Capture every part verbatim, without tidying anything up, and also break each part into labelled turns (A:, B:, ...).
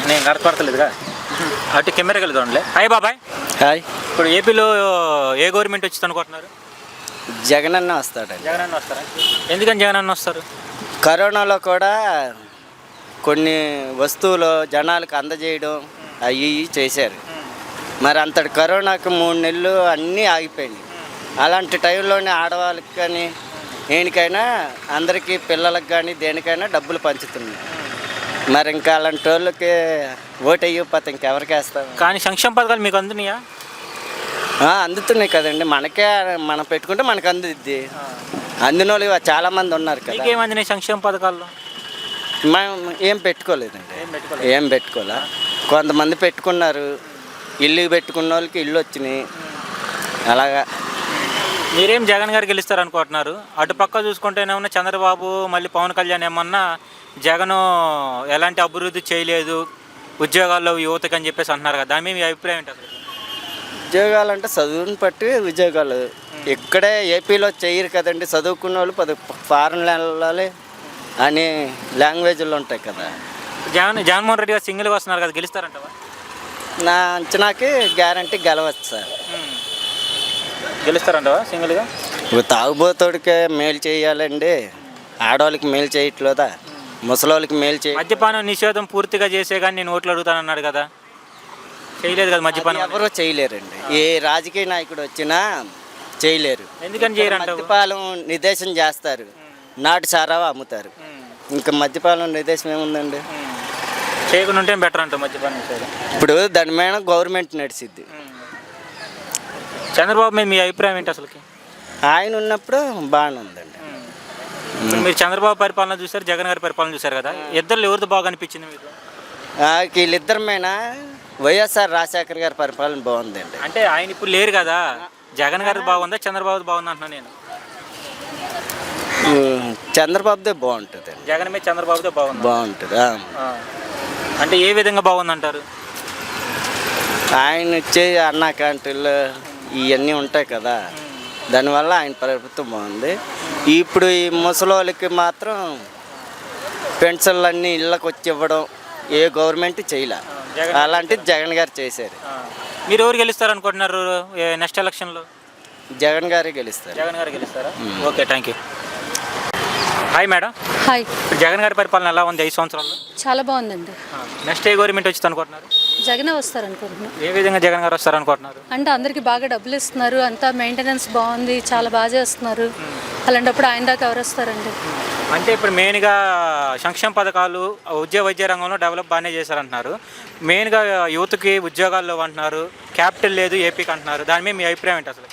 A: నేను కనపడతలేదుగా అటు కెమెరాకి వెళ్దాంలే. హాయ్ బాబాయ్.
B: హాయ్.
A: ఇప్పుడు ఏపీలో ఏ గవర్నమెంట్ వచ్చింది అనుకుంటున్నారు?
B: జగన్ అన్న వస్తాడండి.
A: జగన్ అన్న వస్తారా? ఎందుకని జగన్ అన్న వస్తారు?
B: కరోనాలో కూడా కొన్ని వస్తువులు జనాలకు అందజేయడం అవి ఇవి చేశారు. మరి అంతటి కరోనాకు మూడు నెలలు అన్నీ ఆగిపోయినాయి. అలాంటి టైంలోనే ఆడవాళ్ళకి కానీ దేనికైనా అందరికీ పిల్లలకు కానీ దేనికైనా డబ్బులు పంచుతున్నాయి. మరి ఇంకా అలాంటి వాళ్ళకి ఓటు అయ్యిపోతే ఇంకెవరికి వేస్తాం?
A: కానీ సంక్షేమ పథకాలు మీకు అందుతున్నాయా?
B: అందుతున్నాయి కదండి. మనకే మనం పెట్టుకుంటే మనకు అందుద్ది. అందిన వాళ్ళు చాలామంది ఉన్నారు కదా.
A: ఏమందినాయి సంక్షేమ పథకాల్లో?
B: మనం ఏం పెట్టుకోలేదండి. ఏం పెట్టుకోలే. కొంతమంది పెట్టుకున్నారు. ఇల్లు పెట్టుకున్న వాళ్ళకి ఇల్లు వచ్చినాయి. అలాగా.
A: మీరేం జగన్ గారు గెలుస్తారు అనుకుంటున్నారు? అటు పక్క చూసుకుంటేనేమన్నా చంద్రబాబు మళ్ళీ పవన్ కళ్యాణ్ ఏమన్నా జగన్ ఎలాంటి అభివృద్ధి చేయలేదు ఉద్యోగాల్లో యువతకు అని చెప్పేసి అంటున్నారు కదా, దాని మీద మీ అభిప్రాయం ఏంటి అసలు?
B: ఉద్యోగాలు అంటే చదువుని బట్టి ఉద్యోగాలు ఇక్కడే ఏపీలో చేయరు కదండి. చదువుకున్న వాళ్ళు పది ఫారెన్ వెళ్ళాలి అని లాంగ్వేజ్లు ఉంటాయి కదా.
A: జగన్ జగన్మోహన్ రెడ్డి గారు సింగిల్గా వస్తున్నారు కదా, గెలుస్తారంటవా?
B: నా అంచనాకి గ్యారంటీ గెలవచ్చు సార్.
A: గెలుస్తారంటవా సింగిల్గా?
B: తాగుబోతోడికే మేలు చేయాలండి. ఆడవాళ్ళకి మేలు చేయట్లేదా? ముసలోళ్ళకి మేలు చేయ
A: మద్యపానం నిషేధం పూర్తిగా చేసే కానీ నేను ఓట్లు అడుగుతానన్నాడు కదా, చేయలేదు కదా మద్యపానం.
B: ఎవరో చేయలేరండి. ఏ రాజకీయ నాయకుడు వచ్చినా చేయలేరు.
A: ఎందుకని చేయరంట?
B: మద్యపానం నిర్దేశం చేస్తారు, నాటు సారా అమ్ముతారు. ఇంకా మద్యపానం నిర్దేశం ఏముందండి?
A: చేయకుండా ఉంటే బెటర్ అంట మద్యపానం.
B: ఇప్పుడు దాని మీద గవర్నమెంట్ నడిచిద్ది.
A: చంద్రబాబు మీద మీ అభిప్రాయం ఏంటి అసలుకి?
B: ఆయన ఉన్నప్పుడు బాగానే ఉందండి.
A: మీరు చంద్రబాబు పరిపాలన చూసారు, జగన్ గారి పరిపాలన చూసారు కదా, ఇద్దరు ఎవరిది బాగా అనిపించింది మీకు?
B: వీళ్ళిద్దరి మీద వైఎస్ఆర్ రాజశేఖర్ గారి పరిపాలన బాగుందండి.
A: అంటే ఆయన ఇప్పుడు లేరు కదా, జగన్ గారి బాగుందా చంద్రబాబు బాగుందా అంటున్నా నేను.
B: చంద్రబాబుదే బాగుంటుంది.
A: జగన్ మీద చంద్రబాబుదే బాగుంది
B: బాగుంటుంది.
A: అంటే ఏ విధంగా బాగుందంటారు?
B: ఆయన వచ్చే అన్నా క్యాంటీన్లు ఇవన్నీ ఉంటాయి కదా, దానివల్ల ఆయన ప్రభుత్వం బాగుంది. ఇప్పుడు ఈ ముసలోళ్ళకి మాత్రం పెన్షన్లు అన్నీ ఇళ్ళకి వచ్చి ఇవ్వడం ఏ గవర్నమెంట్ చేయలే. అలాంటిది జగన్ గారు చేశారు.
A: మీరు ఎవరు గెలుస్తారు అనుకుంటున్నారు నెక్స్ట్ ఎలక్షన్లో?
B: జగన్ గారే గెలుస్తారు.
A: జగన్ గారు గెలుస్తారా? Okay, thank you. Hi madam.
C: Hi.
A: Jagan గారి పరిపాలన ఎలా ఉంది ఐదు సంవత్సరాల్లో?
C: చాలా బాగుందండి.
A: నెక్స్ట్ ఏ గవర్నమెంట్ వచ్చింది అనుకుంటున్నారు?
C: జగనే వస్తారు అనుకుంటున్నాను.
A: ఏ విధంగా జగన్ గారు వస్తారు అనుకుంటున్నారు?
C: అంటే అందరికి బాగా డబ్బులు ఇస్తున్నారు, అంతా మెయింటెనెన్స్ బాగుంది, చాలా బాగా చేస్తున్నారు. అలాంటప్పుడు ఆయన దాకా ఎవరు వస్తారండి?
A: అంటే ఇప్పుడు మెయిన్గా సంక్షేమ పథకాలు ఉద్యోగ వైద్య రంగంలో డెవలప్ బాగానే చేశారంటున్నారు. మెయిన్గా యువతకి ఉద్యోగాల్లో అంటున్నారు, క్యాపిటల్ లేదు ఏపీకి అంటున్నారు. దాని మీద మీ అభిప్రాయం ఏంటి అసలు?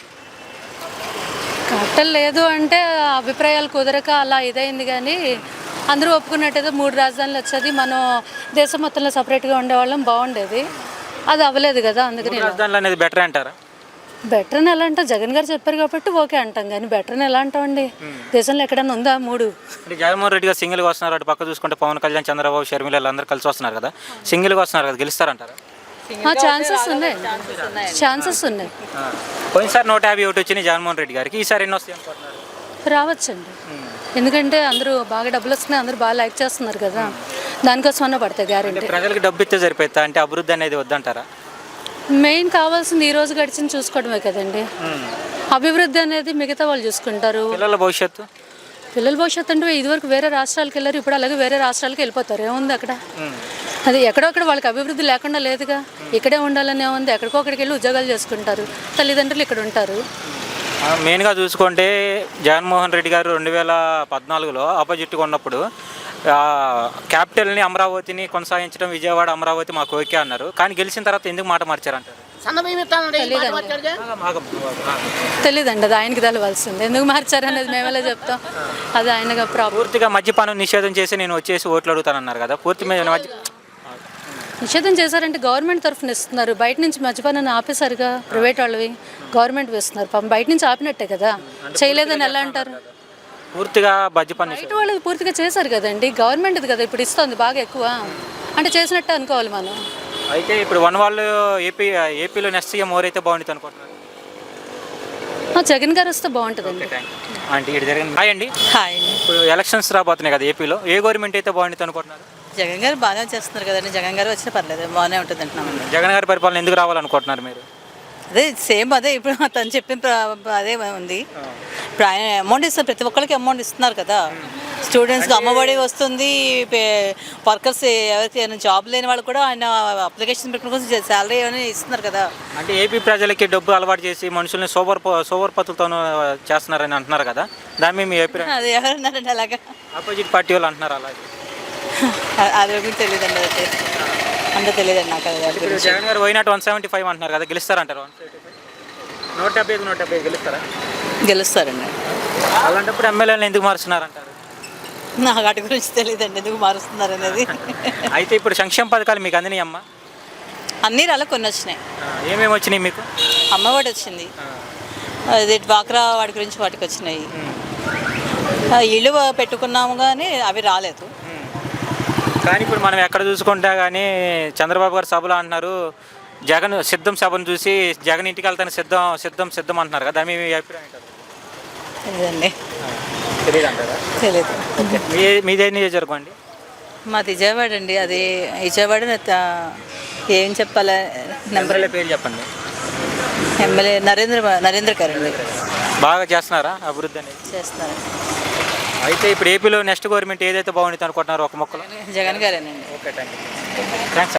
C: క్యాపిటల్ లేదు అంటే అభిప్రాయాలు కుదరక అలా ఇదైంది. కానీ అందరూ ఒప్పుకున్నట్టయితే మూడు రాజధానులు వచ్చేది, మనం దేశం మొత్తంలో సపరేట్గా ఉండేవాళ్ళం, బాగుండేది. అది అవ్వలేదు కదా, అందుకని
A: రాజధానులు అనేది బెటర్ అంటారా?
C: బెటర్ అని ఎలా అంటాం? జగన్ గారు చెప్పారు కాబట్టి ఓకే అంటాం, కానీ బెటర్ అని ఎలా అంటామండి? దేశంలో ఎక్కడైనా ఉందా మూడు?
A: అంటే జగన్మోహన్ రెడ్డి గారు సింగిల్గా వస్తున్నారు, అటు పక్క చూసుకుంటే పవన్ కళ్యాణ్, చంద్రబాబు, షర్మిల అందరూ కలిసి వస్తున్నారు కదా, సింగిల్గా వస్తున్నారు కదా, గెలుస్తారంటారా?
C: ఛాన్సెస్ ఉన్నాయి, ఛాన్సెస్ ఉన్నాయి.
A: పోయినసారి నూట యాభై ఒకటి వచ్చినాయి జగన్మోహన్ రెడ్డి గారికి, ఈసారి ఎన్ని వస్తాయి అనుకుంటున్నారు?
C: రావచ్చండి, ఎందుకంటే అందరూ బాగా డబ్బులు వస్తున్నాయి, అందరూ బాగా లైక్ చేస్తున్నారు కదా, దానికోసమన్నా పడతాయి గ్యారెంటీ.
A: ప్రజలకు డబ్బు ఇస్తే సరిపోతా అంటే అభివృద్ధి అనేది వద్దంటారా?
C: మెయిన్ కావాల్సింది ఈ రోజు గడిచింది చూసుకోవడమే కదండి. అభివృద్ధి అనేది మిగతా వాళ్ళు చూసుకుంటారు.
A: పిల్లల భవిష్యత్తు
C: పిల్లల భవిష్యత్తు అంటే ఇదివరకు వేరే రాష్ట్రాలకు వెళ్ళారు, ఇప్పుడు అలాగే వేరే రాష్ట్రాలకు వెళ్ళిపోతారు. ఏముంది అక్కడ? అది ఎక్కడొక్కడ వాళ్ళకి అభివృద్ధి లేకుండా లేదుగా, ఇక్కడే ఉండాలని ఏముంది? ఎక్కడికో అక్కడికి వెళ్ళి ఉద్యోగాలు చేసుకుంటారు, తల్లిదండ్రులు ఇక్కడ ఉంటారు.
A: మెయిన్గా చూసుకుంటే జగన్మోహన్ రెడ్డి గారు రెండు వేల పద్నాలుగులో ఆపోజిట్గా ఉన్నప్పుడు క్యాపిటల్ని అమరావతిని కొనసాగించడం, విజయవాడ అమరావతి మాకు ఓకే అన్నారు. కానీ గెలిచిన తర్వాత ఎందుకు మాట మార్చారంటారు?
C: తెలీదండి, అది ఆయనకి తెలవాల్సింది. ఎందుకు మార్చారనేది మేమేలా చెప్తాం, అది ఆయనగా ప్రాబ్లం.
A: పూర్తిగా మద్యపానం నిషేధం చేసి నేను వచ్చేసి ఓట్లు అడుగుతానన్నారు కదా, పూర్తి మీద
C: నిషేధం చేశారంటే గవర్నమెంట్ తరఫున ఇస్తున్నారు, బయట నుంచి మద్యపానాన్ని ఆపేశారుగా, ప్రైవేట్ వాళ్ళవి గవర్నమెంట్ వేస్తున్నారు. పాపం బయట నుంచి ఆపినట్టే కదా, చేయలేదని ఎలా అంటారు?
A: పూర్తిగా మద్యపానం
C: బయట వాళ్ళది పూర్తిగా చేశారు కదండి, గవర్నమెంట్ది కదా ఇప్పుడు ఇస్తుంది బాగా ఎక్కువ, అంటే చేసినట్టే అనుకోవాలి మనం.
A: అయితే ఇప్పుడు వన్ వాళ్ళు ఏపీ ఏపీలో నెక్స్ట్ సీఎం ఎవరైతే బాగుంటుంది అనుకుంటున్నారు?
C: జగన్ గారు వస్తే బాగుంటుందండి.
A: అంటే ఇటు జరిగింది. హాయ్ అండి.
C: హాయ్.
A: ఇప్పుడు ఎలక్షన్స్ రాబోతున్నాయి కదా ఏపీలో, ఏ గవర్నమెంట్ అయితే బాగుంటుంది అనుకుంటున్నారు?
D: జగన్ గారు బాగానే చేస్తున్నారు కదండి. జగన్ గారు వచ్చినా పర్లేదు, బాగానే ఉంటుంది అంటున్నామండి.
A: జగన్ గారి పరిపాలన ఎందుకు రావాలనుకుంటున్నారు మీరు?
D: అదే సేమ్ అదే ఇప్పుడు తను చెప్పిన ప్ర- అదే ఉంది. ఇప్పుడు ఆయన అమౌంట్ ఇస్తారు, ప్రతి ఒక్కరికి అమౌంట్ ఇస్తున్నారు కదా. స్టూడెంట్స్కి అమ్మఒడి వస్తుంది, వర్కర్స్ ఎవరికి జాబ్ లేని వాళ్ళు కూడా ఆయన అప్లికేషన్ పెట్టిన కోసం శాలరీ ఏమైనా ఇస్తున్నారు కదా.
A: అంటే ఏపీ ప్రజలకి డబ్బు అలవాటు చేసి మనుషుల్ని సోబర్ సోబర్ పత్తులతోనూ చేస్తున్నారని అంటున్నారు కదా, దాని మీద మీ అభిప్రాయం?
D: అది ఎవరన్నారండి అలాగా?
A: ఆపోజిట్ పార్టీ వాళ్ళు అంటున్నారు అలాగే.
D: అది గురించి తెలియదండి, అయితే అంత తెలియదండి నాకు అది దాని
A: ఇప్పుడు
D: గురించి.
A: జగన్ గారు పోయినట్టు వన్ సెవెంటీ ఫైవ్ అంటున్నారు కదా, గెలుస్తారంటారు? వన్ సెవెంటీ ఫైవ్ నూట డెబ్బై ఐదు నూట డెబ్బై ఐదు గెలుస్తారా?
D: గెలుస్తారండి.
A: అలాంటప్పుడు ఎమ్మెల్యేలను ఎందుకు మారుస్తున్నారంటారు?
D: నాకు వాటి గురించి తెలియదండి, ఎందుకు మారుస్తున్నారు అనేది.
A: అయితే ఇప్పుడు సంక్షేమ పథకాలు మీకు అందినాయి అమ్మ?
D: అన్ని రాళ్ళ కొన్ని వచ్చినాయి.
A: ఏమేమి వచ్చినాయి మీకు?
D: అమ్మఒడి వచ్చింది, అది డ్వాక్రా వాటి గురించి వాటికి వచ్చినాయి. ఆ, ఇల్లు పెట్టుకున్నాము కానీ అవి రాలేదు.
A: కానీ ఇప్పుడు మనం ఎక్కడ చూసుకుంటా కానీ చంద్రబాబు గారు సభలో అంటున్నారు, జగన్ సిద్ధం సభను చూసి జగన్ ఇంటికి వెళ్తాను సిద్ధం సిద్ధం సిద్ధం అంటున్నారు కదా, దాని మీద మీ అభిప్రాయం ఏంటో?
D: తెలియదండి,
A: తెలియదు అంటారా?
D: తెలియదు.
A: మీ మీదే నియోజకవర్గం అండి?
D: మాది విజయవాడ అండి. అది విజయవాడ త- ఏం చెప్పాలి, నెంబర్
A: ఎమ్మెల్యే పేరు చెప్పండి.
D: ఎమ్మెల్యే నరేంద్ర నరేంద్ర గారు అండి,
A: బాగా చేస్తున్నారా అభివృద్ధి అనేది?
D: చేస్తున్నారు.
A: అయితే ఇప్పుడు ఏపీలో నెక్స్ట్ గవర్నమెంట్ ఏదైతే బాగుంటుంది అనుకుంటున్నారో ఒక మొక్కలో?
D: జగన్ గారేనండి.
A: Okay, thank you. థ్యాంక్స్.